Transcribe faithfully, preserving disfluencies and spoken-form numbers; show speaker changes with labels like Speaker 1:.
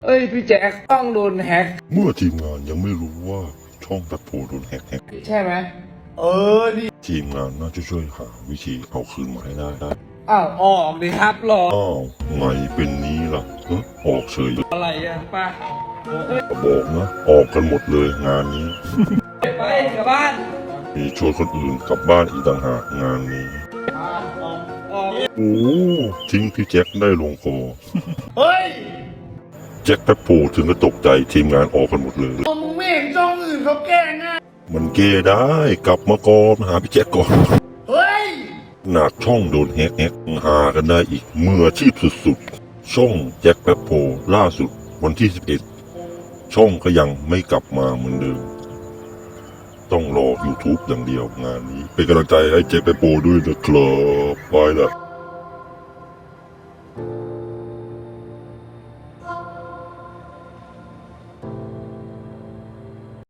Speaker 1: เอ้ยพี่แจ็คต้องโดนแฮ็ก
Speaker 2: เมื่อทีมงานยังไม่รู้ว่าช่องแป๊บโพโดนแฮกแฮก
Speaker 1: ใช่ไหมเออดิ
Speaker 2: ทีมงานน่าจะช่วยหาวิธีเอาคืนมาให้ได้ได้
Speaker 1: อ้าวออกดิครับรอ
Speaker 2: อ้าวไงเป็นนี้ล่ะเฮ้อออกเฉย
Speaker 1: อะไรอ่ะป้า
Speaker 2: บอกนะออกกันหมดเลยงานนี้
Speaker 1: ไปกลับบ้าน
Speaker 2: มีชวนคนอื่นกลับบ้านอีกต่างหากงานนี้
Speaker 1: ออกออก
Speaker 2: โอ้ทิ้งพี่แจ็คได้ลงคอ
Speaker 1: เฮ้ย
Speaker 2: แจ็คแป๊บโพถึงก็ตกใจทีมงานออกกันหมดเลย
Speaker 1: มึงไม่เห็นช่องอื่นเขาแกล้งอ่ะ
Speaker 2: มันเกได้กลับมาก่อนมาหาพี่แจ็คก่อน
Speaker 1: เฮ้ย
Speaker 2: หนักช่องโดนแฮกแฮกหากันได้อีกมืออาชีพสุดๆ ช่องแจ็คแป๊บโพล่าสุดวันที่สิบเอ็ดช่องก็ยังไม่กลับมาเหมือนเดิม ต้องรอ YouTube อย่างเดียวงานนี้ เป็นกำลังใจให้แจ็คแป๊บโพด้วยนะครับไปละ